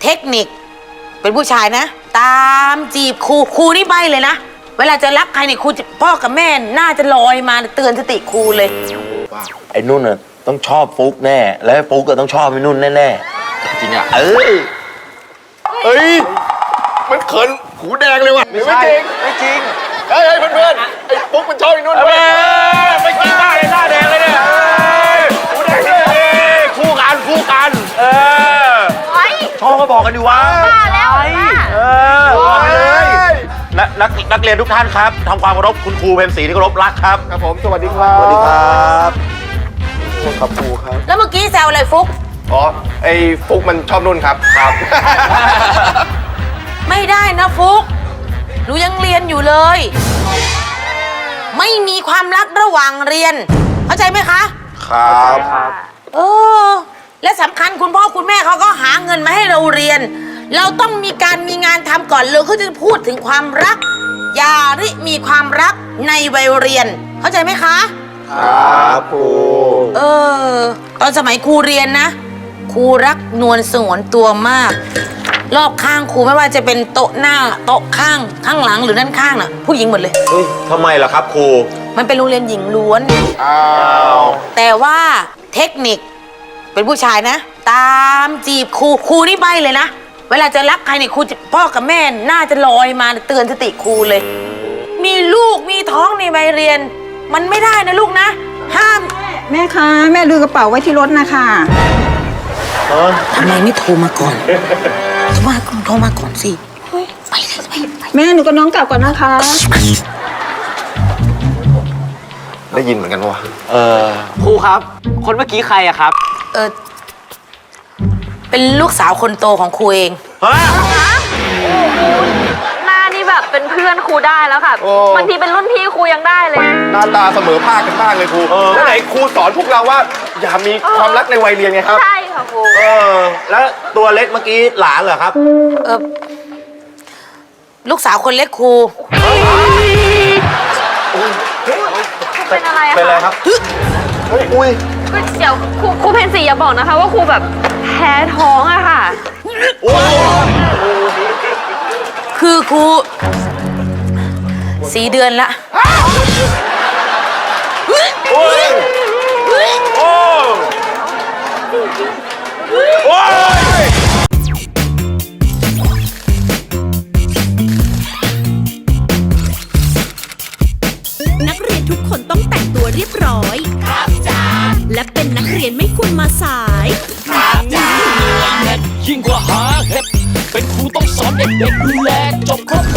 เทคนิคเป็นผู้ชายนะตามจีบครูนี่ใบเลยนะเวลาจะรักใครเนี่ยครูพ่อกับแม่น่าจะลอยมาเตือนสติครูเลยไอ้นุ่นน่ะต้องชอบฟุกแน่แล้วฟุกก็ต้องชอบไอ้นุ่นแน่ๆจริงอ่ะเฮ้ยมันเขินหูแดงเลยว่ะไม่จริงไม่จริงเฮ้ยเพื่อนไอ้ปุ๊กมันชอบไอ้นุ่นไม่จริงหน้าเลยหน้าแดงเลยเนี่ยหูแดงเลยคู่กันชอบก็บอกกันดิวะแล้วบอกเลยนักเรียนทุกท่านครับทำความเคารพคุณครูเพ็ญศรีที่เคารพรักครับครับผมสวัสดีครับสวัสดีครับครับครูครับแล้วเมื่อกี้แซวอะไรฟุกอ๋อไอ้ฟุกมันชอบนุ่นครับไม่ได้นะฟุกหนูยังเรียนอยู่เลยไม่มีความรักระหว่างเรียนเข้าใจไหมคะครับและสำคัญคุณพ่อคุณแม่เขาก็หาเงินมาให้เราเรียนเราต้องมีงานทำก่อนเลยเขาจะพูดถึงความรักอย่ามีความรักในวัยเรียนเข้าใจไหมคะครับครูตอนสมัยครูเรียนนะครูรักนวลสงวนตัวมากรอบข้างครูไม่ว่าจะเป็นโต๊ะหน้าโต๊ะข้างหลังหรือด้านข้างน่ะผู้หญิงหมดเลยทำไมล่ะครับครูมันเป็นโรงเรียนหญิงล้วนแต่ว่าเทคนิคเป็นผู้ชายนะตามจีบครูนี่ใบเลยนะเวลาจะรักใครเนี่ยครูพ่อกับแม่น่าจะลอยมาเตือนสติครูเลยมีลูกมีท้องในวัยเรียนมันไม่ได้นะลูกนะห้ามแม่คะแม่ลืมกระเป๋าไว้ที่รถนะคะทำไมไม่โทรมาก่อนโทรมาก่อนสิไปแม่หนูกับน้องกลับก่อนนะคะได้ยินเหมือนกันวะครูครับคนเมื่อกี้ใครอะครับเป็นลูกสาวคนโตของครูเองหน้านี่แบบเป็นเพื่อนครูได้แล้วค่ะบางทีเป็นรุ่นพี่ครูยังได้เลยหน้าตาเสมอภาคกันบ้างเลยครูแล้วไหนครูสอนพวกเราว่าอย่ามีความรักในวัยเรียนไงครับใช่ค่ะครูแล้วตัวเล็กเมื่อกี้หลานเหรอครับลูกสาวคนเล็กครูเป็นอะไรอะเป็นอะไรครับอุ้ยเดี๋ยวครูเพนสีอย่าบอกนะคะว่าครูแบบแพ้ท้องอะค่ะคือครู4 เดือนละนักเรียนทุกคนต้องแต่งตัวเรียบร้อยครับจ้าและเป็นนักเรียนไม่ควรมาสายครับจ้ายิ่งกว่าหาเห็ดเป็นครูต้องสอนเด็กๆดูแลจบครบ